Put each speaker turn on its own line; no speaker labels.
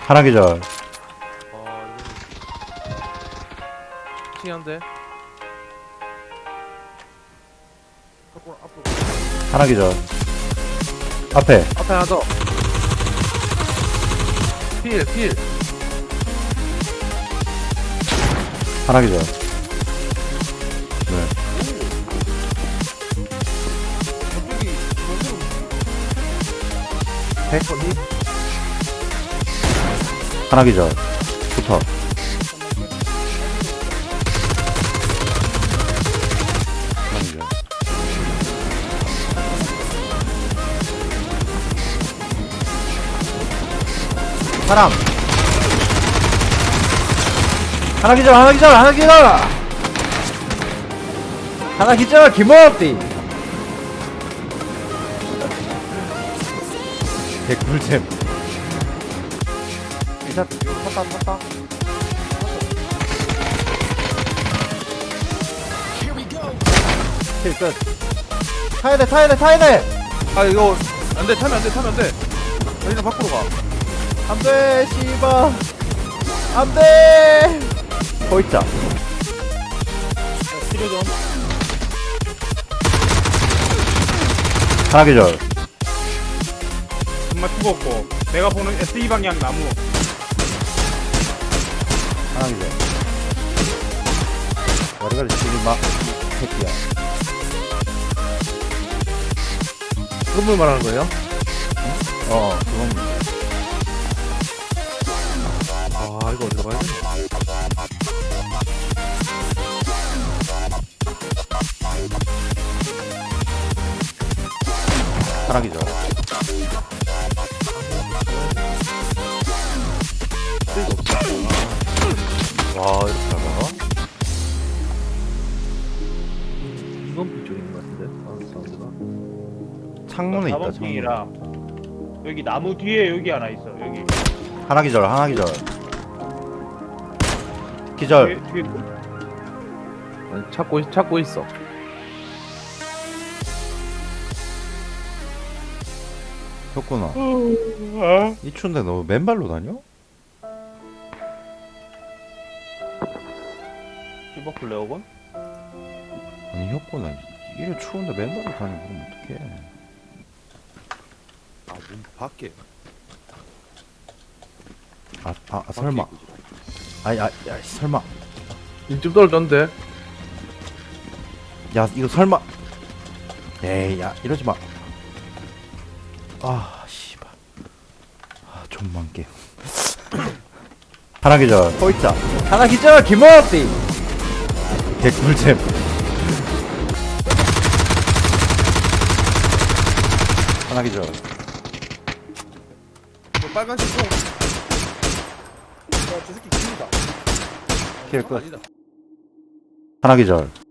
하나 기절.
아 이거 칭한데. 앞으로.
하나 기절. 앞에.
앞에 하나 더. 필.
하나 기절. 네.
백번이.
하나 기절. 붙어. 하나 기절. 사람. 하나 기절. 하나 기절. 김호흡디. 개꿀잼.
이사 탔다.
킬 끝. 타야 돼.
아 이거 안돼 타면 안돼. 저희는 밖으로 가.
안돼, 씨발. 안돼. 거 있자.
치료 좀.
하나 기절.
정말 죽었고 내가 보는 SE 방향 나무
하나 기절. 머리가 지금 막 새끼야.
건물 말하는 거예요?
그건
아 이거 어디로 가야 되나?
하나 기절.
와 이렇게 잘 나가? 이건 비쪽인 것 같은데? 아 사운드가.
창문에 있다. 창문.
4번핑이랑 여기 나무 뒤에 여기 하나 있어 여기
하나 기절. 기절.
뒤에
아니, 찾고 있어.
혁구나. 이 추운데 너 맨발로 다녀?
슈퍼플레어건?
아니 혁구나 이래 추운데 맨발로 다니면 그럼 어떡해.
아문 밖에.
설마. 설마.
이쯤 떨어졌는데.
야 이거 설마. 에이 야 이러지 마. 씨발. 좀만 게임. 하나 기절. 거 있자. 하나 기절. 김호흡디. 개꿀잼. 하나 기절.
빨간색 총. 저 새끼 깁니다.
킬 끝.
아니다.
하나 기절.